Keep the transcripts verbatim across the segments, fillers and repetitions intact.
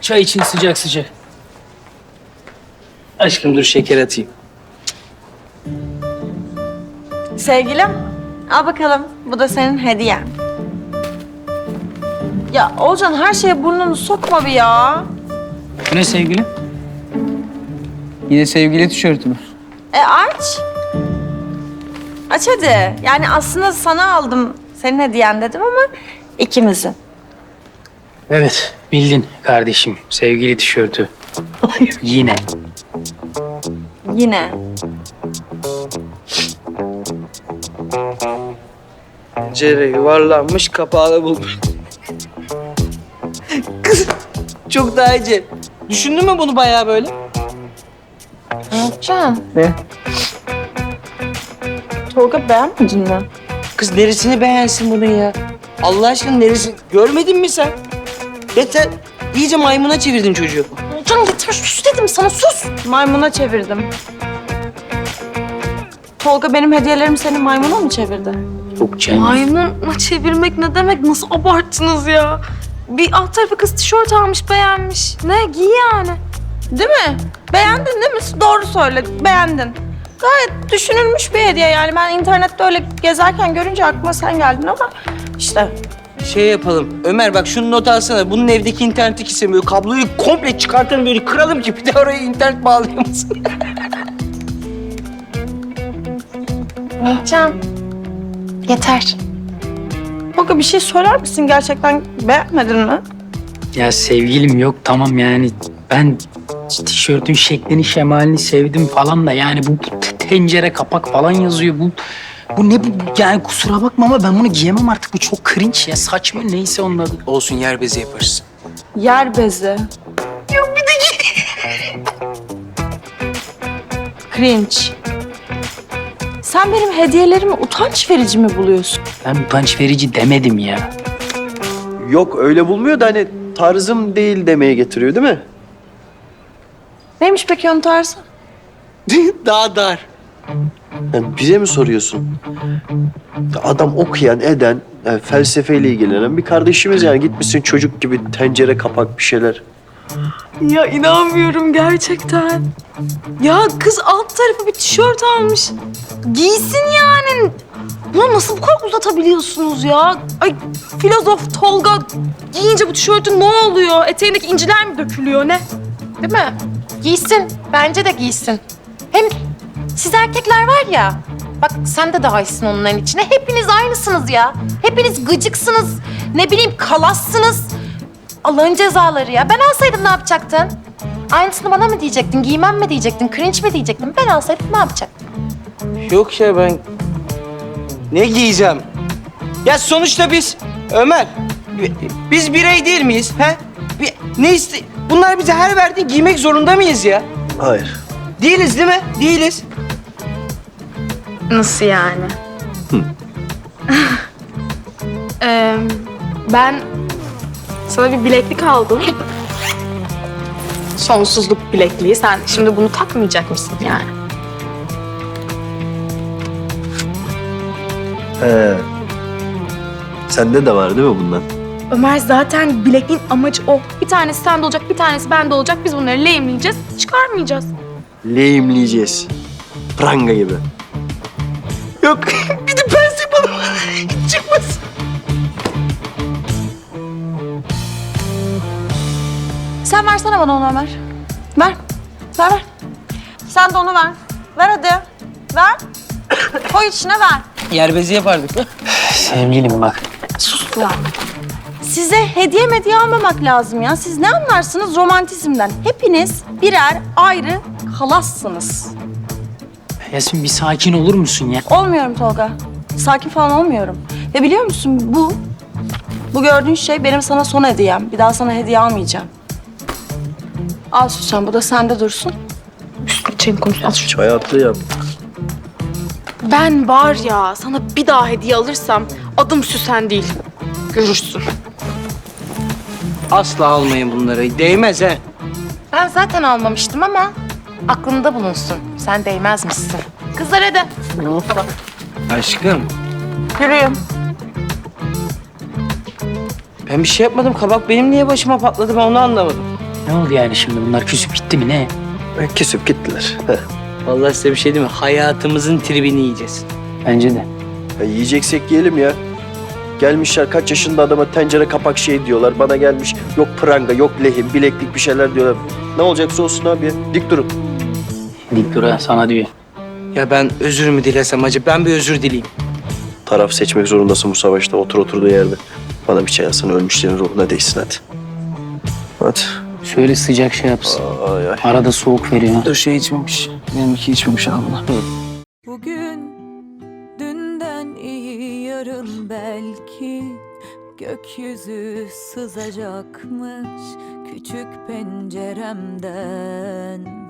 Çay için sıcak sıcak. Aşkım dur şeker atayım. Sevgilim, al bakalım. Bu da senin hediyen. Ya Olcan her şeye burnunu sokma bir ya. Bu ne sevgilim? Yine sevgili tişörtü mü? E aç. Aç hadi. Yani aslında sana aldım senin hediyen dedim ama ikimizin. Evet bildin kardeşim. Sevgili tişörtü. Yine. Yine. Pencere yuvarlanmış, kapağını bulmuş. Kız çok daha iyice. Düşündün mü bunu bayağı böyle? Olcan. Ne? Tolga beğenmedin mi? Kız neresini beğensin bunun ya? Allah aşkına neresi? Görmedin mi sen? Yeter. İyice maymuna çevirdin çocuğu. Olcan yeter sus dedim sana sus. Maymuna çevirdim. Tolga benim hediyelerimi senin maymuna mı çevirdi? Yok canım. Maymuna çevirmek ne demek? Nasıl abarttınız ya? Bir alt tarafı kız tişört almış, beğenmiş. Ne? Giy yani. Değil mi? Beğendin değil mi? Doğru söyle. Beğendin. Gayet düşünülmüş bir hediye yani. Ben internette öyle gezerken görünce aklıma sen geldin ama işte. Şey yapalım. Ömer bak şunu not alsana. Bunun evdeki interneti istemiyor. Kabloyu komple çıkartalım böyle kıralım ki bir de oraya internet bağlayamasın. Can. Yeter. Tolga bir şey söyler misin? Gerçekten beğenmedin mi? Ya sevgilim yok tamam yani ben tişörtün şeklini şemalini sevdim falan da yani bu tencere kapak falan yazıyor bu. Bu ne bu yani kusura bakma ama ben bunu giyemem artık bu çok cringe ya saçma neyse onun adı. Olsun yer bezi yaparız. Yer bezi. Yok bir de cringe. Sen benim hediyelerimi utanç verici mi buluyorsun? Ben utanç verici demedim ya. Yok öyle bulmuyor da hani tarzım değil demeye getiriyor değil mi? Neymiş peki onun tarzı? Daha dar. Yani bize mi soruyorsun? Adam okuyan, eden, yani felsefeyle ilgilenen bir kardeşimiz yani. Gitmişsin çocuk gibi tencere kapak bir şeyler. Ya inanmıyorum gerçekten. Ya kız alt tarafı bir tişört almış. Giysin yani. Bunu nasıl bu kadar uzatabiliyorsunuz ya? Ay filozof Tolga giyince bu tişörtün ne oluyor? Eteğindeki inciler mi dökülüyor ne? Değil mi? Giysin. Bence de giysin. Hem siz erkekler var ya, bak sen de dahilsin onların içine. Hepiniz aynısınız ya. Hepiniz gıcıksınız. Ne bileyim kalassınız. Allah'ın cezaları ya. Ben alsaydım ne yapacaktın? Aynısını bana mı diyecektin? Giymem mi diyecektin? Cringe mi diyecektin? Ben alsaydım ne yapacaktın? Yok ya ben... Ne giyeceğim? Ya sonuçta biz... Ömer, bi- biz birey değil miyiz? He? Bir, ne iste... Bunlar bize her verdiği giymek zorunda mıyız ya? Hayır. Değiliz değil mi? Değiliz. Nasıl yani? Ee, ben sana bir bileklik aldım. Sonsuzluk bilekliği. Sen şimdi bunu takmayacak mısın yani? He. Sende de var değil mi bundan? Ömer zaten bilekliğin amacı o. Bir tanesi sende olacak, bir tanesi bende olacak. Biz bunları lehimleyeceğiz, çıkarmayacağız. Lehimleyeceğiz. Pranga gibi. Yok, bir de pens yapalım. Çıkmasın. Sen versene bana onu Ömer. Ver. Ver ver. Sen de onu ver. Ver hadi. Ver. Koy içine ver. Yer bezi yapardık mı? Sevgilim bak. Sus ya. Size hediye medya almamak lazım ya. Siz ne anlarsınız romantizmden? Hepiniz birer ayrı halassınız. Yasemin bir sakin olur musun ya? Olmuyorum Tolga. Sakin falan olmuyorum. Ve biliyor musun bu, bu gördüğün şey benim sana son hediyem. Bir daha sana hediye almayacağım. Al Süsen, bu da sende dursun. Geçelim konuşalım. Hayatta yap. Ben var ya sana bir daha hediye alırsam adım Süsen değil. Görürsün. Asla almayın bunları. Değmez he. Ben zaten almamıştım ama aklında bulunsun. Sen değmezmişsin. Kızlar hadi. Aşkım, Yürüyün. ben bir şey yapmadım. Kabak benim niye başıma patladı ben onu anlamadım. Ne oldu yani şimdi bunlar küsüp gitti mi ne? E, Küsüp gittiler. Heh. Vallahi size bir şey diyeyim mi? Hayatımızın tribini yiyeceğiz. Bence de. Ya yiyeceksek yiyelim ya. Gelmişler kaç yaşında adama tencere kapak şey diyorlar. Bana gelmiş yok pranga, yok lehim, bileklik bir şeyler diyorlar. Ne olacaksa olsun abi ya. Dik durun. Dik dur ha, sana diyor. Ya ben özür mü dilesem acaba? Ben bir özür dileyim. Taraf seçmek zorundasın bu savaşta. Otur oturduğu yerde. Bana bir çay alsana, ölmüşlerin ruhuna değsin hadi. Hadi. Şöyle sıcak şey yapsın. Ay ay. Arada soğuk veriyor. Dur şey içmemiş. Benimki içmemiş abla. Bugün dünden iyi yarın belki gökyüzü sızacakmış küçük penceremden.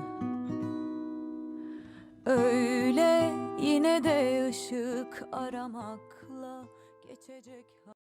Öyle yine de ışık aramakla geçecek.